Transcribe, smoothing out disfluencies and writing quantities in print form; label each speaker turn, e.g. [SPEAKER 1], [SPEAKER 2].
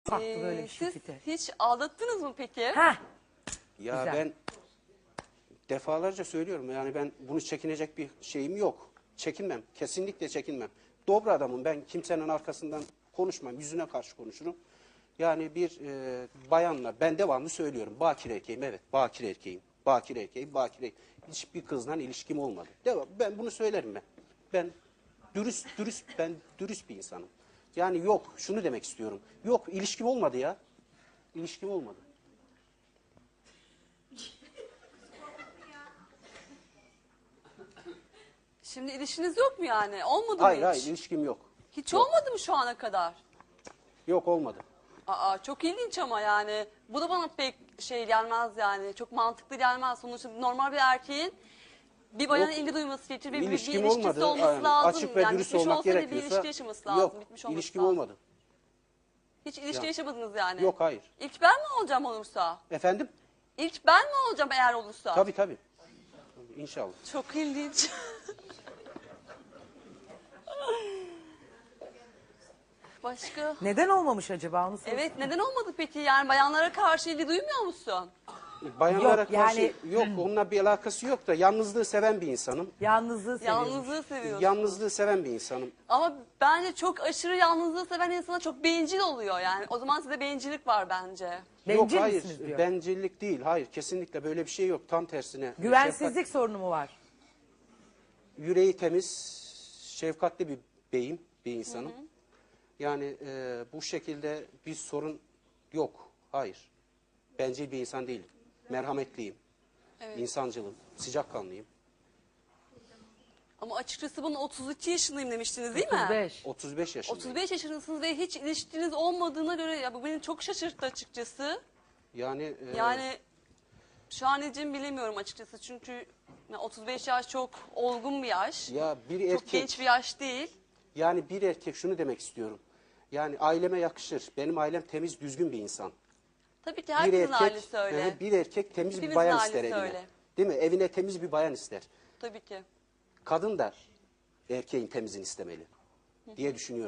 [SPEAKER 1] Farklı böyle bir
[SPEAKER 2] Siz
[SPEAKER 1] şirkete.
[SPEAKER 2] hiç aldattınız mı peki?
[SPEAKER 1] Heh.
[SPEAKER 3] Ya
[SPEAKER 1] Güzel.
[SPEAKER 3] ben defalarca söylüyorum, yani ben bunu çekinecek bir şeyim yok. Çekinmem, kesinlikle çekinmem. Dobra adamım ben, kimsenin arkasından konuşmam, yüzüne karşı konuşurum. Yani bir bayanla, ben devamlı söylüyorum, bakire erkeğim, evet bakire erkeğim, bakire erkeğim, bakire erkeğim. Hiçbir kızla ilişkim olmadı. Ben bunu söylerim ben. Ben dürüst bir insanım. Yani yok, şunu demek istiyorum. Yok, ilişkim olmadı ya. İlişkim olmadı.
[SPEAKER 2] Şimdi ilişkiniz yok mu yani? Olmadı mı
[SPEAKER 3] Hayır
[SPEAKER 2] hiç?
[SPEAKER 3] hayır, ilişkim yok.
[SPEAKER 2] Hiç olmadı mı şu ana kadar?
[SPEAKER 3] Yok, olmadı.
[SPEAKER 2] Aa, çok ilginç ama yani. Bu da bana pek şey gelmez yani. Çok mantıklı gelmez. Sonuçta normal bir erkeğin bir bayana
[SPEAKER 3] Yok,
[SPEAKER 2] ilgi duyması gerekir ve bir
[SPEAKER 3] İlişkim
[SPEAKER 2] ilişkisi
[SPEAKER 3] olmadı.
[SPEAKER 2] olması
[SPEAKER 3] Yani
[SPEAKER 2] lazım.
[SPEAKER 3] açık ve
[SPEAKER 2] yani
[SPEAKER 3] dürüst
[SPEAKER 2] bitmiş
[SPEAKER 3] olmak
[SPEAKER 2] olsa bile bir
[SPEAKER 3] gerekiyorsa.
[SPEAKER 2] ilişki yaşaması lazım.
[SPEAKER 3] Yok,
[SPEAKER 2] bitmiş olması
[SPEAKER 3] ilişkim
[SPEAKER 2] lazım.
[SPEAKER 3] olmadı.
[SPEAKER 2] Hiç ilişki
[SPEAKER 3] Ya.
[SPEAKER 2] yaşamadınız yani.
[SPEAKER 3] Yok, hayır.
[SPEAKER 2] İlk ben mi olacağım olursa?
[SPEAKER 3] Efendim?
[SPEAKER 2] İlk ben mi olacağım eğer olursa?
[SPEAKER 3] Tabii tabii. İnşallah.
[SPEAKER 2] Çok ilginç. Başka?
[SPEAKER 1] Neden olmamış acaba onu sor.
[SPEAKER 2] Evet, neden olmadı peki? Yani bayanlara karşı ilgi duymuyor musun?
[SPEAKER 3] Bayanlara
[SPEAKER 1] Yok,
[SPEAKER 3] karşı
[SPEAKER 1] yani-
[SPEAKER 3] yok, onunla bir alakası yok da yalnızlığı seven bir insanım.
[SPEAKER 1] Yalnızlığı seviyormuş.
[SPEAKER 2] Yalnızlığı seviyorsun.
[SPEAKER 3] Yalnızlığı seven bir insanım.
[SPEAKER 2] Ama bence çok aşırı yalnızlığı seven insana çok bencil oluyor yani. O zaman size bencillik var bence.
[SPEAKER 1] Bencil
[SPEAKER 3] Yok, hayır.
[SPEAKER 1] misiniz diyor.
[SPEAKER 3] Bencillik değil. Hayır, kesinlikle böyle bir şey yok. Tam tersine.
[SPEAKER 1] Güvensizlik sorunu mu var?
[SPEAKER 3] Yüreği temiz, şefkatli bir beyim, bir insanım. Yani bu şekilde bir sorun yok. Hayır. Bencil bir insan değilim. Merhametliyim. İnsancılım, sıcakkanlıyım.
[SPEAKER 2] Ama açıkçası bana 32 yaşındayım demiştiniz değil mi?
[SPEAKER 1] 35.
[SPEAKER 3] 35 yaşındayım.
[SPEAKER 2] 35 yaşındasınız ve hiç ilişkiniz olmadığına göre ya bu beni çok şaşırttı açıkçası.
[SPEAKER 3] Yani,
[SPEAKER 2] Yani şu an ne diyeceğimi bilemiyorum açıkçası çünkü 35 yaş çok olgun bir yaş.
[SPEAKER 3] ya bir
[SPEAKER 2] Çok
[SPEAKER 3] erkek,
[SPEAKER 2] genç bir yaş değil.
[SPEAKER 3] yani bir erkek, şunu demek istiyorum. Yani aileme yakışır. Benim ailem temiz, düzgün bir insan.
[SPEAKER 2] Tabii ki
[SPEAKER 3] Bir
[SPEAKER 2] herkesin
[SPEAKER 3] erkek,
[SPEAKER 2] ailesi öyle.
[SPEAKER 3] bir erkek temiz
[SPEAKER 2] Hepimizin
[SPEAKER 3] bir bayan
[SPEAKER 2] ailesi
[SPEAKER 3] ister evine.
[SPEAKER 2] öyle.
[SPEAKER 3] Değil mi? Evine temiz bir bayan ister.
[SPEAKER 2] Tabii ki.
[SPEAKER 3] Kadın da erkeğin temizini istemeli diye düşünüyorum.